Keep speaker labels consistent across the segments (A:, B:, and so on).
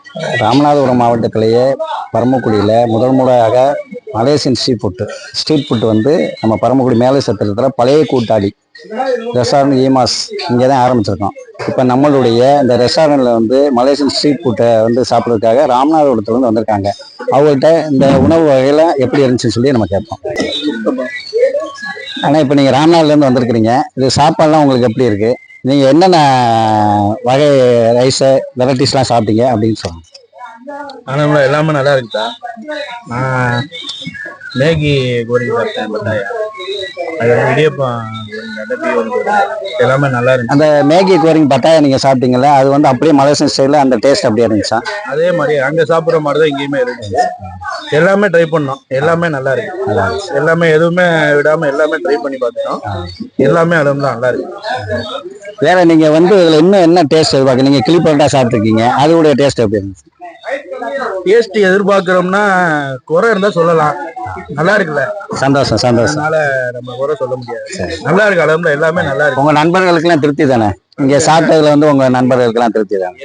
A: ராமநாதபுரம் மாவட்டத்திலேயே பரமக்குடியில் முதல் முறையாக Malaysian street food வந்து நம்ம பரமக்குடி மேலே சத்திரத்தில் பழைய கூட்டாளி ரெஸ்டாரண்ட் ஈமாஸ் இங்கே தான் ஆரம்பிச்சிருக்கோம். இப்போ நம்மளுடைய இந்த ரெஸ்டாரண்ட்டில் வந்து மலேசியன் ஸ்ட்ரீட் ஃபுட்டை வந்து சாப்பிட்றதுக்காக ராமநாதபுரத்துலேருந்து வந்திருக்காங்க. அவங்கள்ட்ட இந்த உணவு வகையில் எப்படி இருந்துச்சுன்னு சொல்லி நம்ம கேட்போம். ஆனால் இப்போ நீங்கள் ராமநாதபுரத்துலேருந்து வந்திருக்கிறீங்க, இது சாப்பாடுலாம் உங்களுக்கு எப்படி இருக்குது? நீங்கள் என்னென்ன வகை ரைஸு வெரைட்டிஸ்லாம் சாப்பிட்டீங்க அப்படின்னு சொல்லுங்கள்.
B: ஆனால் எல்லாமே நல்லா இருக்குதா. நான் மேகி கோரிக்கை சாப்பிட்டேன், பட்டாயா அது இடியப்பம் எல்லாமே நல்லா இருந்துச்சு.
A: அந்த மேகி கோரிங் பட்டாயா நீங்கள் சாப்பிட்டீங்களா, அது வந்து அப்படியே மலேசியன் ஸ்டைலில் அந்த டேஸ்ட் அப்படியே இருந்துச்சா?
B: அதே மாதிரி அங்கே சாப்பிட்ற மாதிரி தான் இங்கேயுமே இருந்துச்சு. எல்லாமே ட்ரை பண்ணோம், எல்லாமே நல்லா இருக்கு. எல்லாமே எதுவுமே விடாமல் எல்லாமே ட்ரை பண்ணி பார்த்துட்டோம். எல்லாமே அளவு தான் நல்லா இருக்கு.
A: வேற நீங்க வந்து இதுல இன்னும் என்ன டேஸ்ட் எதிர்பார்க்க? நீங்க கிளி பரோட்டா சாப்பிட்டுருக்கீங்க, அதோடைய டேஸ்ட் எப்படி இருந்துச்சு?
B: டேஸ்ட் எதிர்பார்க்கிறோம்னா குறை இருந்தா சொல்லலாம், நல்லா இருக்குல்ல.
A: சந்தோஷம் சந்தோஷம்.
B: அதனால நம்ம குறை சொல்ல முடியாது. நல்லா இருக்கு, அளவுல எல்லாமே நல்லா இருக்கு.
A: உங்க நண்பர்களுக்கு எல்லாம் திருப்தி தானே? இங்க சாப்பிட்டதுல வந்து உங்க நண்பர்களுக்கு எல்லாம் திருப்தி தானே?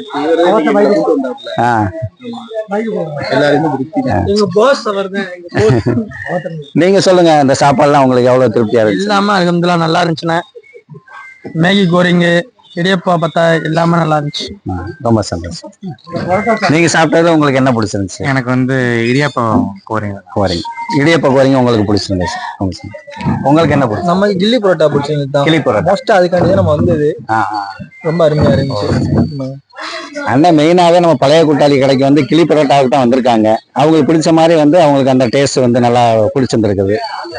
A: நீங்க சொல்லுங்க, இந்த சாப்பாடுலாம் உங்களுக்கு எவ்வளவு திருப்தியா இருக்கு?
C: எல்லாமே அல்ஹம்துலில்லாஹ் நல்லா இருந்துச்சுண்ணே. மேகி கோரிங்கு இடியப்பா பத்தா எல்லாமே நல்லா இருந்துச்சு.
A: ரொம்ப சந்தோஷம். நீங்க சாப்பிட்டதுல உங்களுக்கு என்ன பிடிச்சிருந்துச்சு?
C: எனக்கு வந்து இடியப்பம் கோரிங்
A: இடியப்ப கோரிங்க உங்களுக்கு பிடிச்சிருந்துச்சு. உங்களுக்கு என்ன பிடிச்சி?
C: நம்ம கில்லி பரோட்டா பிடிச்சிருந்துச்சு.
A: கிளி பரோட்டா
C: மோஸ்டா அதுக்காண்டி நம்ம வந்தது. ரொம்ப அருமையா இருந்துச்சு.
A: அண்ணன் மெயினாவே நம்ம பழைய கூட்டாளி கடைக்கு வந்து கிளி பரோட்டாவுக்கு தான் வந்திருக்காங்க. அவங்களுக்கு பிடிச்ச மாதிரி வந்து அவங்களுக்கு அந்த டேஸ்ட் வந்து நல்லா பிடிச்சிருந்துருக்குது.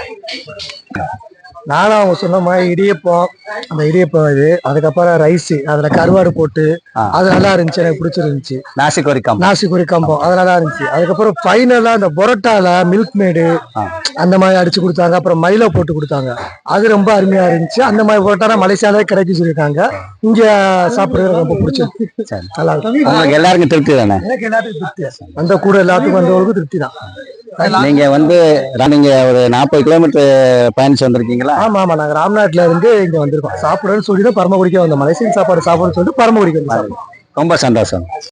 C: நானும் அவங்க சொன்ன மாதிரி இடியப்பம், அந்த இடியப்பம் இது, அதுக்கப்புறம் ரைஸ், அதுல கருவாடு போட்டு அது நல்லா இருந்துச்சு, எனக்கு பிடிச்சிருந்துச்சு.
A: நாசி
C: கொரிக்காம்பம் அது நல்லா இருந்துச்சு. அதுக்கப்புறம் ஃபைனலா அந்த பொரோட்டால மில்க் மேடு அந்த மாதிரி அடிச்சு கொடுத்தாங்க. அப்புறம் மைலோ போட்டு கொடுத்தாங்க, அது ரொம்ப அருமையா இருந்துச்சு. அந்த மாதிரி பொரோட்டா மலேசியாலே கிடைக்கும் சொல்லியிருக்காங்க. இங்க சாப்பிடுறது ரொம்ப பிடிச்சிருக்கு, நல்லா இருக்கு.
A: உங்களுக்கு எல்லாருக்கும் திருப்தி தானே?
C: எனக்கு எல்லாத்துக்கும் திருப்தி, அந்த கூட எல்லாத்துக்கும் வந்தவங்களுக்கும் திருப்தி தான்.
A: நீங்க வந்து நீங்க ஒரு 40 கிலோமீட்டர் பயணிச்சு வந்திருக்கீங்களா?
C: ஆமா ஆமா, நாங்க ராம்நாட்ல இருந்து இங்க வந்திருக்கோம். சாப்பிடுறேன்னு சொல்லிட்டு பரமக்குடிக்க வந்தோம். மலேசியன் சாப்பாடு சாப்பிடுன்னு சொல்லிட்டு பரமக்குடிக்க வந்தோம்.
A: ரொம்ப சந்தோஷம்.